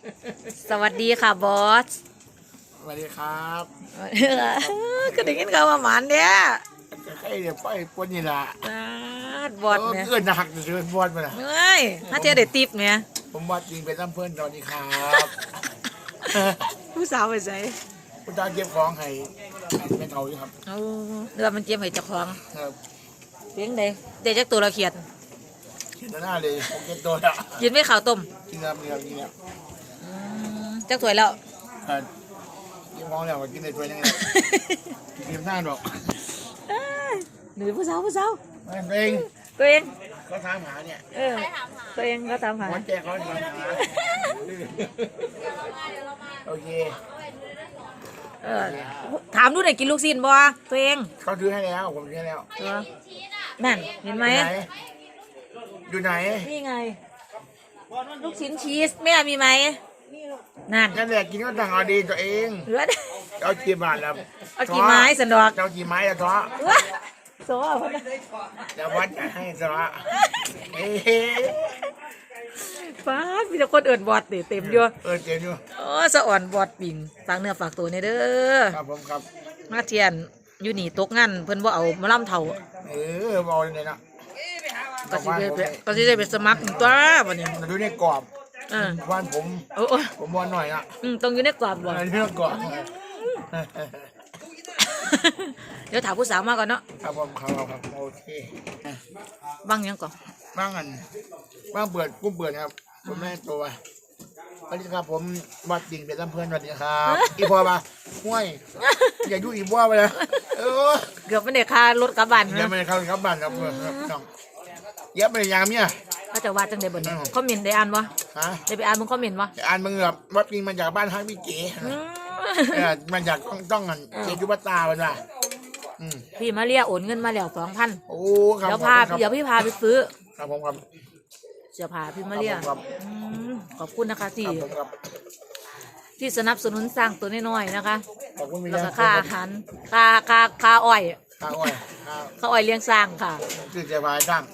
สวัสดีค่ะบอสสวัสดีครับก็ได้ยินข่าวว่าหมานเนี่ยใครเดี๋ยวไปปนนี่ละบอสเนี่ยเอื้อนหักจะเป็นบอสมาละเฮ้ยถ้าเทียได้ติปเนี่ยผมบอสจริงเป็นน้ำเพื่อนสวัสดีครับผู้สาวไปใส่คุณตาเก็บของให้เป็นเขาอยู่ครับเอาเรือมันเจียมให้เจ้าของครับเลี้ยงได้เด็กจักตัวละเขียดกินหน้าเลยผมเก็บตัวละกินไม่ข้าวต้มกินแล้วมีแล้วกินแล้วจักถ้วยแล้วกินของแล้วก็กินในถ้วยนึงเลยกินหน้าดอกหนูผู้สาวไม่เป็นตัวเองเขาถามหาเนี่ยตัวเองก็ตามหาหัวใจเขาถามหาโอเคถามดูหน่อยกินลูกชิ้นบ่ตัวเองเขาซื้อให้แล้วผมซื้อให้แล้วนั่นเห็นไหมอยู่ไหนนี่ไงลูกชิ้นชีสแม่มีไหมนั่นนั่นแหละกินก็ต่างเอาดีตัวเองเหลือเอากี่บาทแล้วเอากี่ไม้สันดอกเอากี่ไม้ละท้อว้าโซ่เอาไปเดี๋ยววัดจะให้ท้อเอ้ยฟ้ามีแต่คนเอิญบอดเต็มอยู่เจ๋งอยู่โอ้สะอ่อนบอดปิ่งฝากเนื้อฝากตัวในเด้อครับผมครับมาเทียนอยู่นี่ตกงานเพิ่นบ่เอามาล่ำเท่าบอกเลยนะก็สิได้ไปสมัครตัวบัดนี้ดูในกรอบเออบ้านผมโอ้ผมบอลหน่อยนะต้องอยู่ในกรอบบ่เรื่องกรอบเดี๋ยวถามผู้สาวมาก่อนเนาะครับผมครับโอเคบังยังก่อนบ้างอันบ้างเปิดกุ้งเปิดครับผมแม่ตัวสวัสดีครับผมวัดจริงเป็นลำเพื่อนสวัสดีครับอีพอมาห้วยอย่ายุ่งอีบัวไปเลยเกือบไม่ได้ค่ารถกลับบ้านยังไม่ได้เข้าครับบ้านครับน้องเยอะไปยามเนี่ยเขาจะว่าจังได๋บ่นี่คอมเมนต์ได้อ่านบ่ฮะได้ไปอ่านมึงคอมเมนต์บ่อ่านมึงแบบวัดจริงมาจากบ้านฮักพี่เก๋มันจากต้องกันเจจุบัตตาเป็นว่ะพี่มาเรียโอนเงินมาแล้ว 2,000 โอ้ครับเดี๋ยวพี่พาไปซื้อครับผมครับเสื้อผ้าพี่มาเรียครับขอบคุณนะคะที่ครับที่สนับสนุนสร้างตัวน้อยๆนะคะขอบคุณมีแล้วแล้ก็ค่าอาหารค่าอ้อยข้าวอ้อยค่าอ้อยเลี้ยงสร้างค่ะคือจะพายตั้ง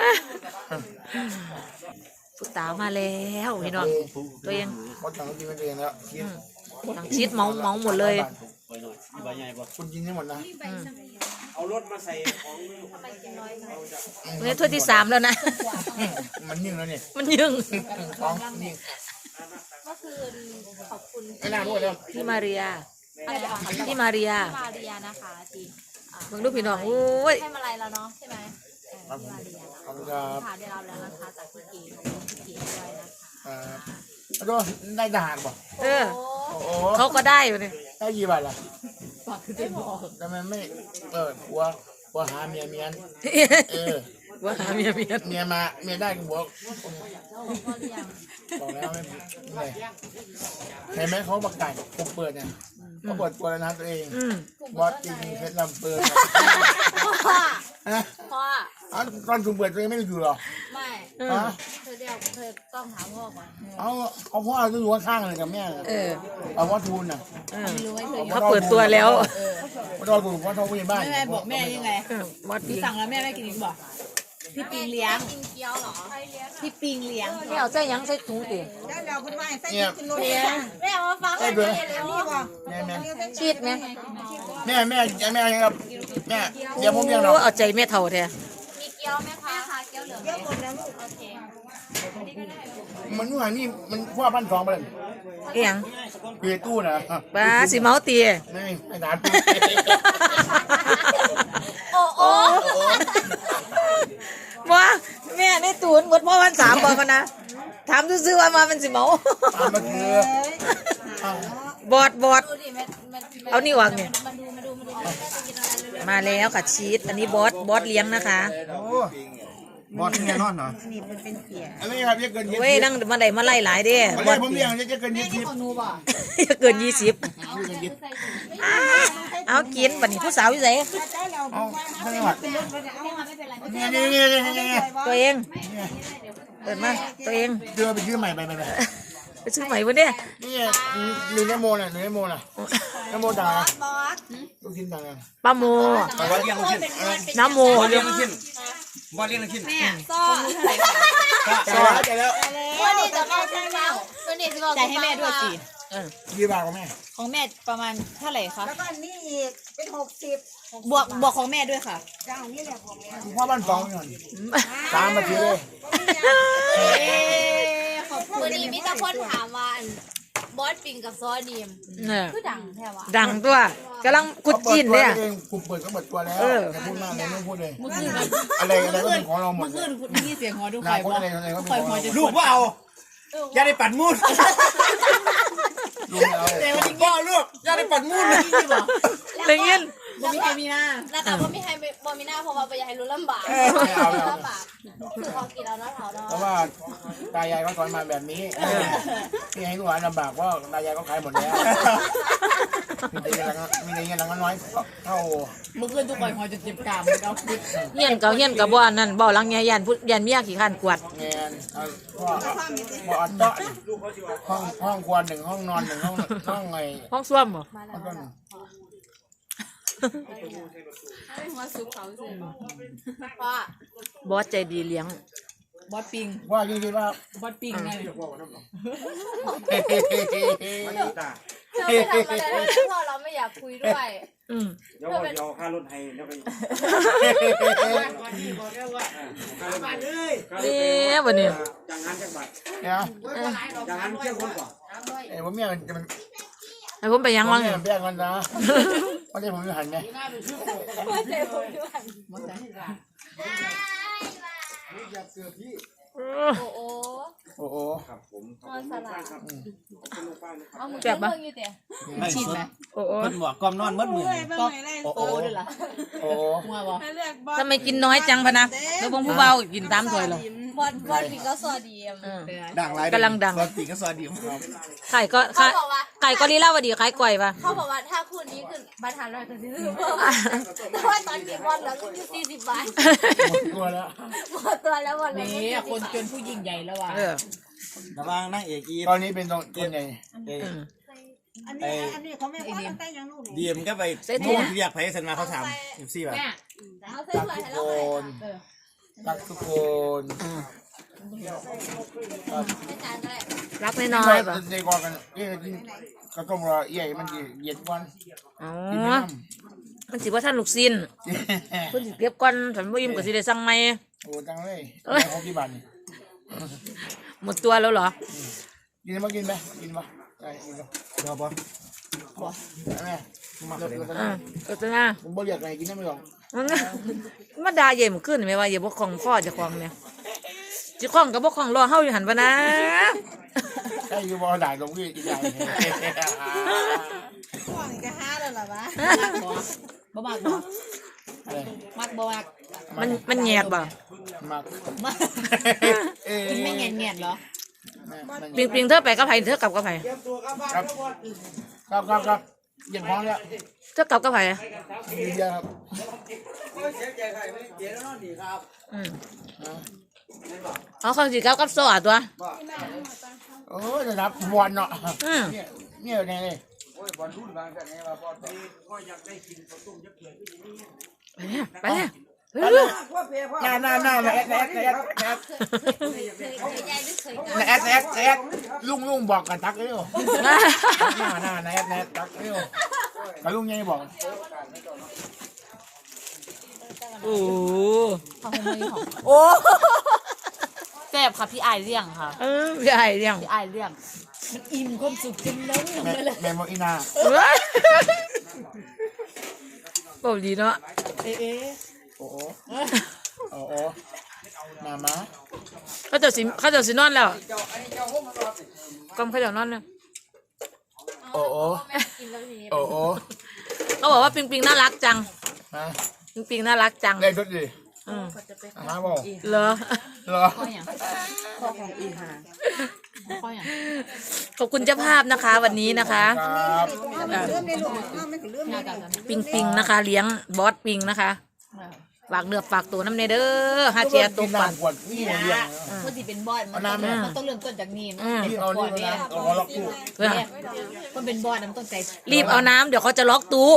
ผู้ตามาแล้วพี่น้องตัวเองหมดถังกินมันเองแล้วกินทั้งชีสเมาหมดเลยคุณกินได้หมดนะเอารถมาใส่ของนี่ถ้วยที่3แล้วนะมันยิ่งแล้วนี่มันยึงของยิ่งก็คือขอบคุณไม่น่ารู้เลยพี่มาเรียอะไรอะคะพี่มาเรียมาเรียนะคะจีอ่ามึงดูพี่น้องโอ้ยให้มาลัยแล้วเนาะใช่ไหมครับมาเรียนะขอบคุณครับค่ะได้รับแล้วนะคะจากพี่เก๋พี่เก๋ด้วยนะคะแล้วก็ได้ทหารป่ะเออโอ้โหเขาก็ได้อยู่นี่ได้กี่บาทล่ะทำไมไม่ผัวหาเมียว่าหาเมียเมียมาเมียได้ก็บอกก็เรียงบอกแล้วไม่เห็นไหมเขาประกาศผมเปิดเนี่ยเขาเปิดตัวแล้วนะตัวเองบอสจริงเพชรลำเปิดพ่อฮะพ่อตอนผมเปิดตัวเองไม่ได้อยู่หรอไม่ฮะเธอเดียวเธอต้องถามพ่อก่อนเอาพ่อจะอยู่ข้างๆเลยกับแม่ เอาว่าทูนน่ะไม่รู้ไว้เธอเขาเปิดตัวแล้วว่าทูนว่าทูนผู้ใหญ่บ้านแม่บอกแม่ยังไงบอสหนูดีสั่งแล้วแม่ไม่กินอีกบอกพี่ปิงเลี้ยงกินเกี๊ยวเหรอพี่ปิงเลี้ยงไม่เอาใส่ยังใส่ถุงติเนี่ยไม่เอามาฟังได้ด้วยแล้วแม่ชีดไหมแม่ครับแม่เดี๋ยวผมเลี้ยงเราโอ้เอาใจแม่เท่าแท้มีเกี๊ยวไหมคะคะเกี๊ยวเหลืองเกี๊ยวหมดแล้วลูกโอเคมันนู่นนี่มันพ่อพันสองไปเลยเอียงเปียตู้นะปลาสิเมาตีไม่ถามปีโอ้โอ้ว่าแม่ในตูนหมดพ่อวัน3บอกกันนะถามซื่อๆว่ามาเป็นสิเมาตามมาคือบอดดูดิมันเอานี่วางเนี่ยมาดูกินอะไรเลยมาแล้วค่ะชีสอันนี้บอสเลี้ยงนะคะบอสแน่นอนเหรออันนี้ครับจะเกิน20 เว้ยนั่งมาไล่หลายเด้บอสผมเลี้ยงจะเกิน20 เกิน20เอากินบัดนี้ผู้สาวอยู่ไสเอาทั้งหมดนี่ตัวเองเปิดมาตัวเองเดือไปซื้อใหม่ไปไปซื้อใหม่วันนี้นี่หนึ่งนโมน่ะนโมต่างนะลูกชิ้นต่างกันป้าโมบอลเลี้ยงลูกชิ้นน้ำโมบอลเลี้ยงลูกชิ้นบอลเลี้ยงลูกชิ้นซ้อใจแล้ววันนี้จะมาใช่ไหมวันนี้นี่สิบอกจ่ายให้แม่ด้วยสิกี่บาทของแม่ของแม่ประมาณเท่าไหร่คะแล้วก็อันนี้อีกเป็น60 บวกของแม่ด้วยค่ะจ้านี่แหละของแม่พ่อบ้านสองเงินตามมาทีเลยวันนี้มีแต่คนถามว่าอันบอสปิงกับซอดีมเนี่ยคือดังแท้วะดังตัวกำลังกุดจีนเนี่ยกูเปิดก็เปิดตัวแล้วเอออย่าพูดมากเลยไม่พูดเลยเมื่อคืนอะไรก็เป็นของเราหมดเมื่อคืนคุณนี่เสียงหัวดูนาไข่คนบ่อะไรก็ไข่เป็นของหัวเราจะลูกว่าเอาอย่าได้ปัดมูดลูกเอาแต่ว่าจริงพ่อลูกอย่าได้ปัดมูดเลยๆที่บอกได้ยินบ่มีใครมีหน้าแล้วก็บ่มีให้บ่มีหน้าเพราะว่าบ่อยากให้รู้ลำบากลำบากคือเขากินเอาเนาะเขาเนาะเพราะว่าตายายเขาสอนมาแบบนี้ที่ให้ลูกหลานลำบากเพราะตายายเขาขายหมดแล้วมีแต่เงินน้อยเท่าเมื่อคืนทุกคนหัวจะเจ็บกรามเอาคิดเฮียนเก่าเฮียนกับบ่อนนั่นบ่หลังยันพุยันเมียขี้ขันกวาดเงินพ่ออันเจาะห้องครัวหนึ่งห้องนอนหนึ่งห้องไงห้องส้วมบ่ห้องต้นว่าบอสใจดีเลี้ยงบอสปิงว่าจริงๆว่าบอสปิงไงเธอไม่ทำอะไรเลยเพราะเราไม่อยากคุยด้วยอืมเดี๋ยวว่าเอาค่ารถให้เดี๋ยวไปเนี่ยวันนี้จังหันจังบัดเนี่ยจังหันเที่ยงคนก่อนผมเนี่ยจะมันให้ผมไปยังวังเนี่ยแบ่งกันนะวันนี้ผมจะหันไหมโอ้โหโอ้โหครับผมนอนสลาครับเป็นลูกป้านะครับเอามือเพิ่งอยู่เตะชินไหมโอ้โอ้เพิ่นบอกกอมนอนมืดมือก็โอ้ด้วยล่ะโอ้โหมัวบ่ทำไมกินน้อยจังพะนะแล้วบงผู้เบากินตามถ้วยเหรอบอสปิงก็ซอดีมดังไรกำลังดังซอสปีกก็ซอสดีครับไก่ก็เขาบอกว่าไก่ก็ลีลาวดีขายก่อยปะเขาบอกว่าถ้าคู่นี้ขึ้นบรรทัดร้อยก็ซื้อเพิ่มแต่ว่าตอนนี้บอลเหลืออยู่40 บาทหมดตัวแล้วหมดตัวแล้วบอลเหลือนี่คนจนผู้ยิ่งใหญ่แล้วว่ะเออระวังนั่งเอกอีตอนนี้เป็นตรงคนใหญ่อันนี้เขาไม่ว่าตั้งแต่ยังลูกนี่ดีมก็ไปมุ่งเรียกไผ่เซนมาเขาถาม14บาทเอาใส่ตักถ้วยทุให้กเราคนตักทุกคนให้จานก็ได้รักน้อยๆปะในกองกันก็ต้องรอใหญ่มันเย็นวันอ๋อกินไม่น้มันสิว่าท่านลูกซินำเพิ่นสิเก็บก่อนฉันบ่อิ่มก็สิได้สั่งใหม่โอ้ตังเลยของกี่บาทหมดตัวแล้วเหรอกินมากินไหมกินมาได้กินก็เดี๋ยวบอสแม่มาเลยอ่าก็จะน่าผมบอกอยากไงกินได้ไม่หรอกมาด่าเย่มขึ้นไหมว่าอย่าบ่ของพ่อเจะของเนี่ยจะของกับบ่ของรอเฮาอยู่หันปะนะใช่คือบอกด่าตรงที่กินได้พ่อนี่ก็ห้าแล้วล่ะวะบ่มากบ่อะไรมักบ่มากมันแยกบ่มากกินไม่แง่ๆเหรอปิงเธอไปกับไผเธอกลับกับไผครับเย็นพร้อมแล้วเธอกลับกับไผดีเดียวครับอืมเอาเขาสิกลับกับโซ่ตัวโอ้ยจะนับบอลเนาะอืมเนี่ยไงเลยไปเนี่ยหน้าแอดลุงบอกกันทักเร็วหน้าแอดทักเร็วกับลุงยังบอกโอ้โอ้แซ่บค่ะพี่อายเลี้ยงค่ะใหญ่เรื่องพี่อายเลี้ยงมันอิ่มความสุขจนล้นลงเลยแม่บอกอีนาโอ้ดีเนาะเอ๊ะโอ้มามาเขาเจะสินอนแล้วกำเขาเจะนอนแล้วโอ้กินแล้วทีนี้โอ้เขาบอกว่าปิงน่ารักจังฮะปิงน่ารักจังได้ทุกทีอืมมาบอกเหรอเหรอข้ออย่างข้อของอีหาข้ออย่างขอบคุณเจ้าภาพนะคะ วันนี้นะคะครับเริ่มในลูกไม่ถึงเริ่มในลูกปิงนะคะ เลี้ยงบอสปิงนะคะสฝากเนื้อฝากตัวน้ำในเด้อฮาเจียตัวปั่นขวดนี่อย่างเดียวมันสิเป็นบอดมันต้องเริ่มต้นจากนี่มันที่เอานี่นะเอาล็อกตู้มันเป็นบอดมันต้องใจรีบเอาน้ำเดี๋ยวเขาจะล็อกตู้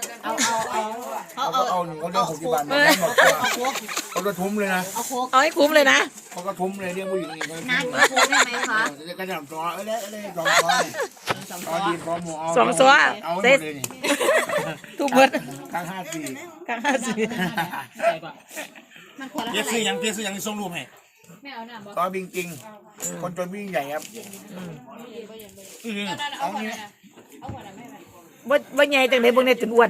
เอาหนึ่งเขาเรียก60 บาทมาหมดเขาก็ทุ่มเลยนะเอาให้คุ้มเลยนะเขาก็ทุ่มเลยเรียกผู้หญิงนี่น้ำโค้กได้ไหมคะจะกระดับตัวเอ้ยสองตัวเอาดีพร้อมหมูเอาสองตัวเอาหมเซ็ตดเลยนี่ทุกเบิดกลาง54 กลาง54 มันคนละเพียเท่าไหร่ซื้อยังส่งรูปให้ต่อบิงจริงคนจนวิ่งใหญ่ครับเอาเนี้ยบ่ใหญ่จังได๋เบิ่งได้จนอ้วน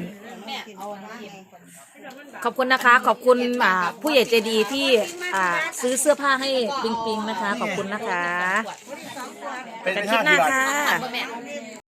ขอบคุณนะคะ ขอบคุณผู้ใหญ่ใจดีที่ซื้อเสื้อผ้าให้ปิงปิงนะคะ ขอบคุณนะคะเป็นกันคลิปหน้า 50 บาทค่ะ